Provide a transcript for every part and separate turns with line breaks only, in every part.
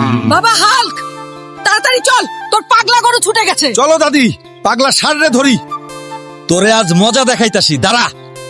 বাবা হাল্ক, তাড়াতাড়ি চল, তোর পাগলা গরু ছুটে গেছে।
চলো দাদি, পাগলা ষাঁড়রে ধরি। তোরে আজ মজা দেখাইতাছি, দাঁড়া।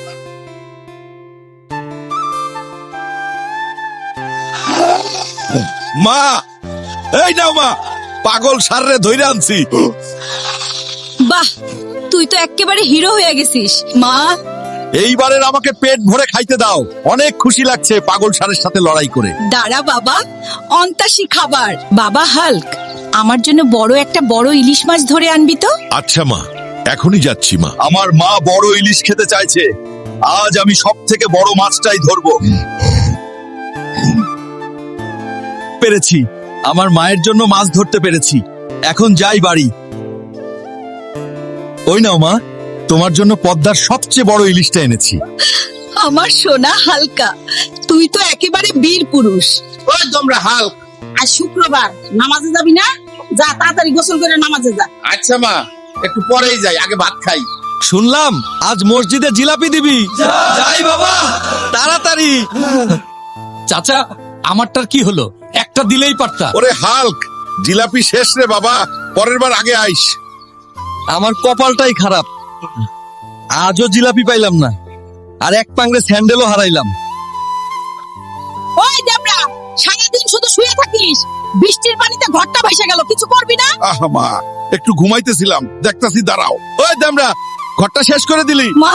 মা, এই নাও মা, পাগল ষাঁড়রে ধইরা আনছি।
বাহ, তুই তো একেবারে হিরো হয়ে গেছিস। মা,
এইবারের আমাকে পেট ভরে খাইতে দাও। অনেক খুশি লাগছে পাগল ষাঁড়ের সাথে লড়াই করে।
দাঁড়া বাবা, অন্তাসী খাবার। বাবা হাল্ক, আমার জন্য বড় ইলিশ মাছ ধরে আনবি তো।
আচ্ছা মা, এখনই যাচ্ছি মা। আমার মা বড় ইলিশ খেতে চাইছে, আজ আমি সব থেকে বড় মাছটাই ধরবো। পেরেছি, আমার মায়ের জন্য মাছ ধরতে পেরেছি। এখন যাই বাড়ি। ওই নাও মা, তোমার জন্য পদ্মার সবচেয়ে বড় ইলিশটা এনেছি।
আমার সোনা হালকা, তুই তো একেবারে বীর পুরুষ।
ওই তোমরা হাল্ক, আজ শুক্রবার, নামাজে যাবি না? যা তাড়াতাড়ি গোসল করে নামাজে যা। আচ্ছা মা, একটু পরেই যাই, আগে ভাত খাই।
শুনলাম আজ মসজিদে জিলাপি দিবি। যাই বাবা, তাড়াতাড়ি।
চাচা, আমারটার কি হলো? একটা দিলেই পারতা।
ওরে হাল্ক, জিলাপি শেষ রে বাবা, পরের বার আগে আইস।
আমার কপালটাই খারাপ, আজও জিলাপি পাইলাম না, আর এক পাংড়ে স্যান্ডেলও হারাইলাম।
ওই দেবরা, সারাদিন শুধু শুয়ে থাকিস, বৃষ্টির পানিতে ঘরটা ভেসে গেল, কিছু করবি না?
আহা মা, একটু ঘুমাইতেছিলাম, দেখতাছি, দাঁড়াও।
ওই দামরা, ঘরটা শেষ করে দিলি।
মা,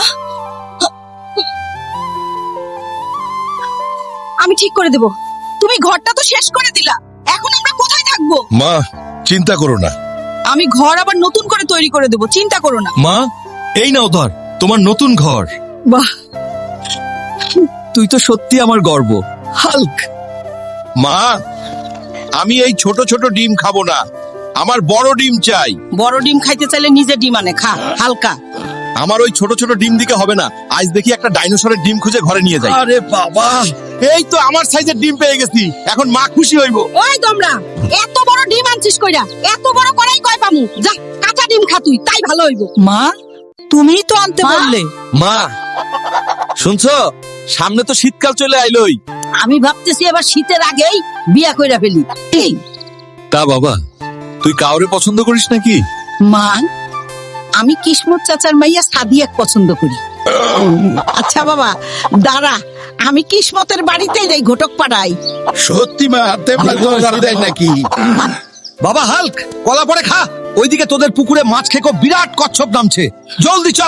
আমি ঠিক করে দেব। তুমি ঘরটা তো শেষ করে দিলা, এখন আমরা কোথায় থাকবো?
মা, চিন্তা করো না।
আমি ঘর আবার নতুন করে তৈরি করে দেব, চিন্তা করো না।
মা, এই নাও ধর তোমার নতুন ঘর।
বাহ,
তুই তো সত্যি আমার গর্ব হাল্ক।
মা, আমি এই ছোট ছোট ডিম খাবো না, আমার বড় ডিম চাই।
বড় ডিম খাইতে চাইলে নিজে ডিম আনে খা হালকা।
আমার ওই ছোট ছোট ডিম দিকে হবে না, আজ দেখি একটা ডাইনোসরের ডিম খুঁজে ঘরে নিয়ে যাই।
আরে বাবা,
এই তো আমার সাইজের ডিম পেয়ে গেছি, এখন মা খুশি হইব।
ওই তোমরা, এত বড় ডিম আনছিস কইরা? এত বড় করাই কয় পামু? যা কাঁচা ডিম খা তুই, তাই ভালো হইব। মা, তুমিই তো আনতে বললে।
মা শুনছো, সামনে তো শীতকাল চলে আইলোই।
আমি ভাবতেছি এবার শীতের আগেই বিয়া কইরা ফেলি। এই,
তা বাবা, তুই কাউরে পছন্দ করিস নাকি?
মা, আমি কিসমত চাচার মাইয়া সাদিয়াক পছন্দ করি। আচ্ছা বাবা, দাঁড়া, আমি কিসমতের বাড়িতেই যাই, ঘটক পাড়াই।
সত্যি মা, তেমন জোগাড় দেয় নাকি?
বাবা হাল্ক, কলা পরে খা। ওইদিকে তোদের পুকুরে মাছ খেকো বিরাট কচ্ছপ নামছে, জলদি চল।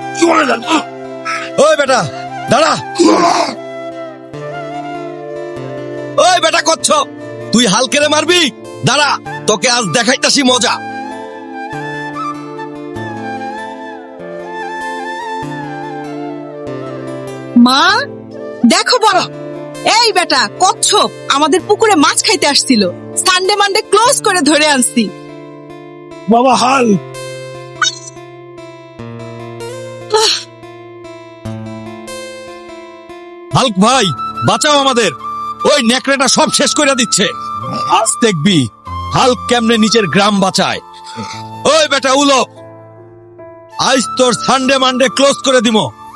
ওই বেটা দাঁড়া। ওই বেটা কচ্ছপ, তুই হালকেরে মারবি? দাঁড়া, তোকে আজ দেখাইতাছি মজা।
মা, দেখো বড়, এই বেটা কচ্ছপ আমাদের পুকুরে মাছ খাইতে আসছিল, সানডে মানডে ক্লোজ করে ধরে আনছি।
বাবা হাল,
হাল্ক ভাই, বাঁচাও আমাদের, ওই নেকড়েটা সব শেষ করে দিচ্ছে। আজ দেখবি হাল্ক কেমনে নিচের গ্রাম বাঁচায়। ওই বেটা উলো, আজ তোর সানডে মানডে ক্লোজ করে দিব।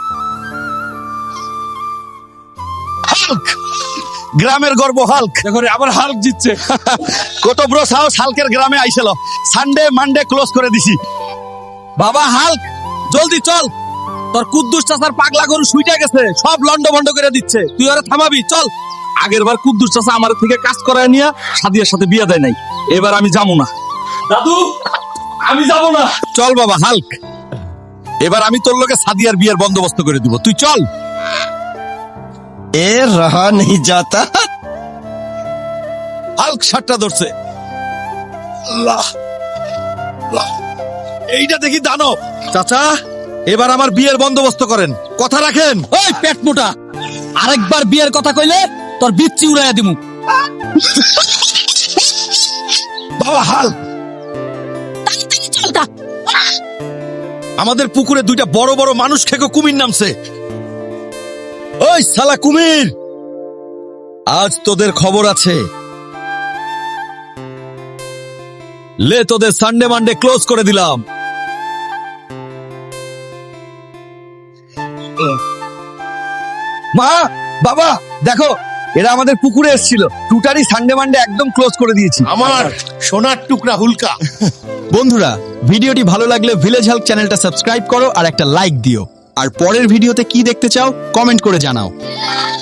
হাল্ক, গ্রামের গর্ব হাল্ক।
দেখো রে, আবার হাল্ক জিতছে।
কত বড় সাহস হাল্কের গ্রামে আইছিল। সানডে মানডে ক্লোজ করে দিছি। বাবা হাল্ক, জলদি চল, তোর কুদ্দুস চাচার পাগলা গরু শুইটা গেছে, সব লন্ড ভন্ড করে দিচ্ছে, তুই ওরা থামাবি। চল। আগের বার কুদ্দুস চাচা আমার থেকে কাজ করায় নিয়ে সাদিয়ার সাথে বিয়ে দেয় নাই, এবার আমি যাবো না।
দাদু, আমি যাব না।
চল বাবা হাল্ক, এবার আমি তোর লোকে সাদিয়ার বিয়ের বন্দোবস্ত করে দিব, তুই চল।
এ রহা নেই যাতা।
হাল্ক সাতটা ধরছে। এইটা দেখি দানব। চাচা, এবার আমার বিয়ের বন্দোবস্ত করেন, কথা রাখেন।
ওই পেট মোটা, আরেকবার বিয়ের কথা কইলে তোর বিচ্ছি উড়াইয়া দিমু।
বাবা হাল্ক,
তাড়াতাড়ি চল তা।
আমাদের পুকুরে দুইটা বড় বড় মানুষ খেকো কুমির নামছে। ওই শালা কুমির, আজ তোদের খবর আছে। লে, তোদের সানডে মানডে ক্লোজ করে দিলাম। মা, বাবা, দেখো এরা আমাদের পুকুরে এসেছিল, টুটারি সানডে মানডে একদম ক্লোজ করে দিয়েছি।
আমার সোনার টুকরা হুলকা।
বন্ধুরা, ভিডিওটি ভালো লাগলে ভিলেজ হেল্প চ্যানেলটা সাবস্ক্রাইব করো আর একটা লাইক দিও। আর পরের ভিডিওতে কি দেখতে চাও কমেন্ট করে জানাও।